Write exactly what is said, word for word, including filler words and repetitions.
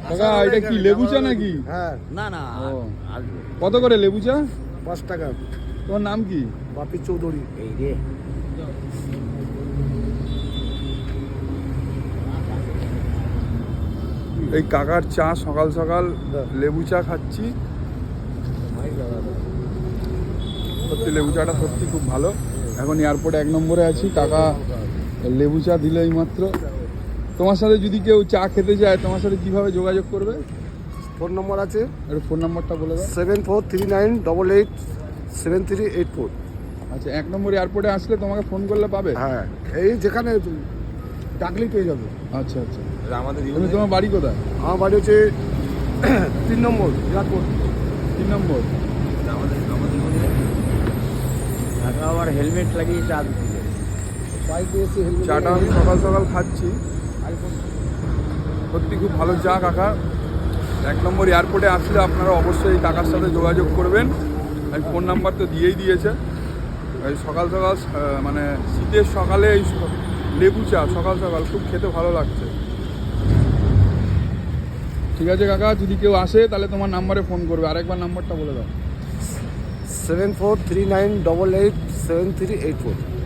কাকা এটা কি লেবু চা নাকি? হ্যাঁ। না না ও। আসবে। কত করে লেবু চা? পাঁচ টাকা। তোমার নাম কি? বাপি চৌধুরী। এই রে এই কাকার চা সকাল সকাল লেবু চা খাচ্ছি। সত্যি লেবু চাটা সত্যি খুব ভালো। এখন এয়ারপোর্টে এক নম্বরে আছি, কাকা লেবু চা দিল এই মাত্র। তোমার সাথে যদি কেউ চা খেতে যায় তোমার সাথে কিভাবে যোগাযোগ করবে? ফোন নম্বর আছে একটু ফোন নাম্বারটা বলে দাও। Seven four three nine double eight seven three eight four. আচ্ছা, এক নম্বর এয়ারপোর্টে আসলে তোমাকে ফোন করলে পাবে? হ্যাঁ, এই যেখানে ডাকলেই পেয়ে যাবে। আচ্ছা আচ্ছা। আমাদের তুমি তোমার বাড়ি কোথায়? আমার বাড়ি হচ্ছে তিন নম্বর এয়ারপোর্ট। তিন নম্বর। আমাদের আমাদের আবার হেলমেট লাগিয়ে চা দিচ্ছে। বাইকে এসে হেলমেট চাটা আমি সকাল সকাল খাচ্ছি, সত্যি খুব ভালো চা কাকা। এক নম্বর এয়ারপোর্টে আসলে আপনারা অবশ্যই এই কাকার সাথে যোগাযোগ করবেন। আমি ফোন নাম্বার তো দিয়েই দিয়েছে। এই সকাল সকাল আহ, মানে শীতের সকালে এই স- লেবু চা সকাল সকাল খুব খেতে ভালো লাগছে। ঠিক আছে কাকা, যদি কেউ আসে তাহলে তোমার নাম্বারে ফোন করবে। আরেকবার নাম্বারটা বলে দাও। Seven four three nine double eight seven three eight four.